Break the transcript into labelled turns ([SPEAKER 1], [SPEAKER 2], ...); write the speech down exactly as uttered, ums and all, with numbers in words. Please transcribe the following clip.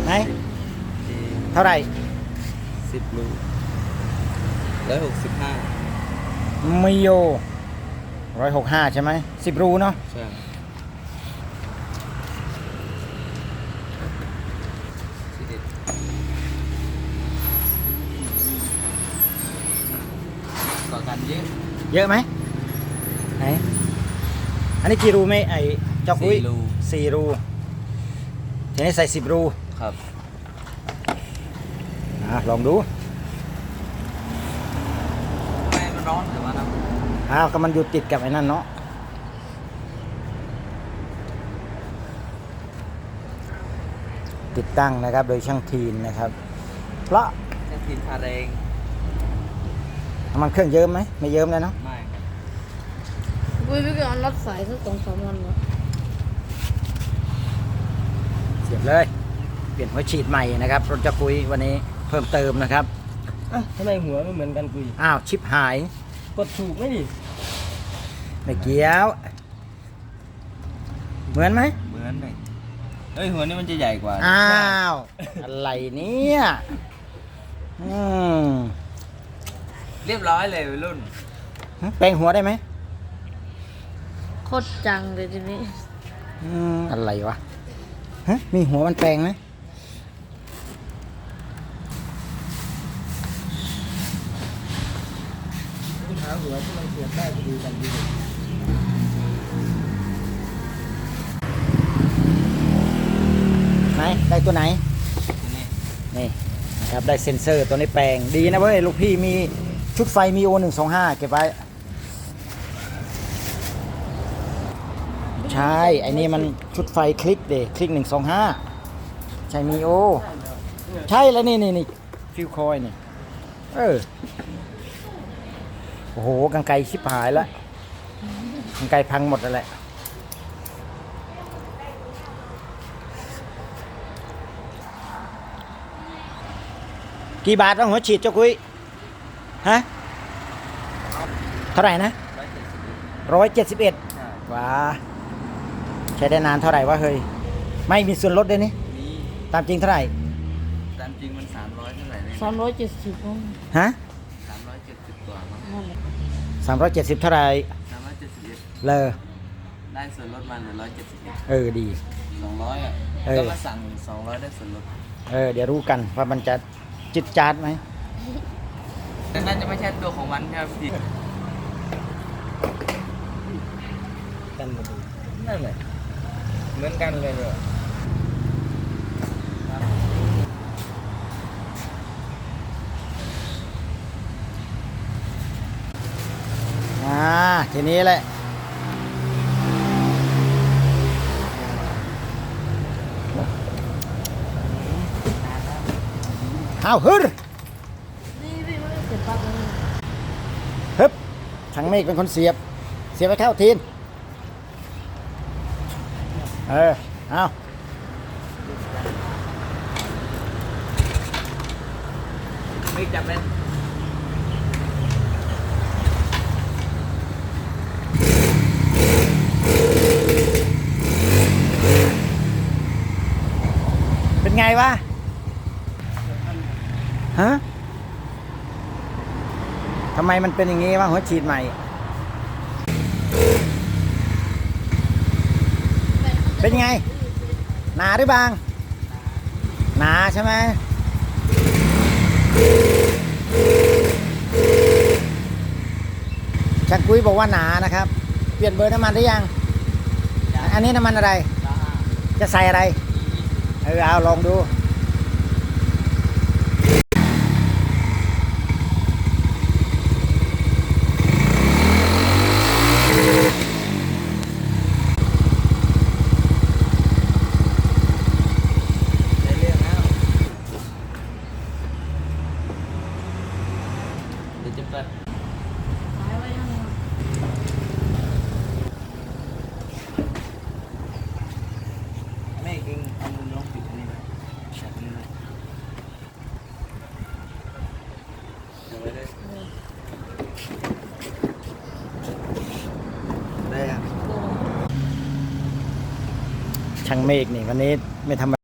[SPEAKER 1] ไหนเท่าไหร่
[SPEAKER 2] สิบรูร้อยหกสิบห้า
[SPEAKER 1] มิโยร้อยหกห้าใช่ไหมสิบรูเนาะ
[SPEAKER 2] ใช่ต่อกันเยอะ
[SPEAKER 1] เยอะไหมไหนอันนี้กี่รูไหมไอ้จอกอุ้ยสี่รูทีนี้ใส่สิบรู
[SPEAKER 2] ครับ
[SPEAKER 1] อ่ะลองดู
[SPEAKER 2] ทำไมมันร้อนหรือว่าน้
[SPEAKER 1] ำอ้าวก็มันอยู่ติดกับไอ้นั่นเนาะติดตั้งนะครับโดยช่างทีนนะครับเพราะ
[SPEAKER 2] ช่างทีนพาแรง
[SPEAKER 1] น้ำมันเครื่องเยิ้มไหมไม่เยิ้มเลยเนาะ
[SPEAKER 2] ไม่ครับ
[SPEAKER 3] วุ้ยพี่ก็เอาน็อตสายสักสองสามวันวะ
[SPEAKER 1] เสียบเลยเปลี่ยนหัวฉีดใหม่นะครับรถจะคุยวันนี้เพิ่มเติมนะครับ
[SPEAKER 2] อ่ะทำไมหัวไม่เหมือนกันกุย
[SPEAKER 1] อ้าวชิปหาย
[SPEAKER 2] กดถูกไหมดิ
[SPEAKER 1] ไม่เกี่ยวเหมือนไหม
[SPEAKER 2] เหมือนเลยเอ้ยหัวนี้มันจะใหญ่กว่า
[SPEAKER 1] อ้าวอะไรเนี่ยอืม
[SPEAKER 2] เรียบร้อยเลยรุ่น
[SPEAKER 1] แปลงหัวได้ไหม
[SPEAKER 3] โคตรจังเลยทีนี้
[SPEAKER 1] อืมอะไรวะฮะมีหัวมันแปลงไหมหาหัวที่มันเสียบได้พอดีกันดีไหนได้ตัวไหนนี่นะครับได้เซ็นเซอร์ตัวนี้แปลงดีนะเว้ยลูกพี่มีชุดไฟมีโอหนึ่งสองห้าเก็บไว้ใช่ไอ้นี่มันชุดไฟคลิกเดคลิกหนึ่งสองห้าใช่มีโอใช่แล้วนี่นี่นี่ฟิวคอยนี่เออโอ้โหกางไกรชิบหายแล้วกางไกรพังหมดแล้วแหละกี่บาทวะหัวฉีดเจ้าคุยฮะเท่าไหร่นะร้อยเจ็ดสิบเอ็ดว้าใช้ได้นานเท่าไหร่วะเฮ้ยไม่มีส่วนลดด้วยนี่ตามจริงเท่าไหร่
[SPEAKER 2] ตามจริงมันสามร้อยเท่าไหร่เลย
[SPEAKER 3] สามร้อยเจ็ดสิบ
[SPEAKER 1] ฮะ
[SPEAKER 2] สามร้อยเจ็ดสิบกว่ามั้ง
[SPEAKER 1] สามร้อยเจ็ดสิบเท่าไหร่
[SPEAKER 2] สามร้อยเจ็ดสิบเอ็ด
[SPEAKER 1] เลย
[SPEAKER 2] ได้ส่วนลดมาเหลือร้อยเจ็ดสิบเอ็ด
[SPEAKER 1] เออดี
[SPEAKER 2] สองร้อยอ่ะก็มาสั่งสองร้อยได้ส่วนลด
[SPEAKER 1] เออเดี๋ยวรู้กันว่ามันจะจิตจาดไหม
[SPEAKER 2] แต่น่าจะไม่ใช่ตัวของมันใช่ไหมพี่กันหมดนั่นแหละเหมือนกันเลยเหรอ
[SPEAKER 1] อ่าทีนี้แหละเอาฮึด
[SPEAKER 3] นี่พี่ไม่ได้เก็บปลั๊กเลย
[SPEAKER 1] ฮึบช่างเมฆเป็นคนเสียบเสียบไปเข้าทีนเออเอา
[SPEAKER 2] ไม่จับเลย
[SPEAKER 1] เป็นไงวะฮะทำไมมันเป็นอย่างงี้วะหัวฉีดใหม่เป็นไงหนาหรือบางหนาใช่ไหมชักกุ้ยบอกว่าหนานะครับเปลี่ยนเบอร์น้ำมันได้ยังอันนี้น้ำมันอะไรจะใส่อะไรเออเอาลองดู
[SPEAKER 2] จะเปิด
[SPEAKER 3] สายไว้ยังไง
[SPEAKER 2] ไม่เองเอามือลองปิดอันนี้ไปจับมือเดี๋ยวไว้ได้ได้ครับ
[SPEAKER 1] ช่างเมฆนี่วันนี้ไม่ทำ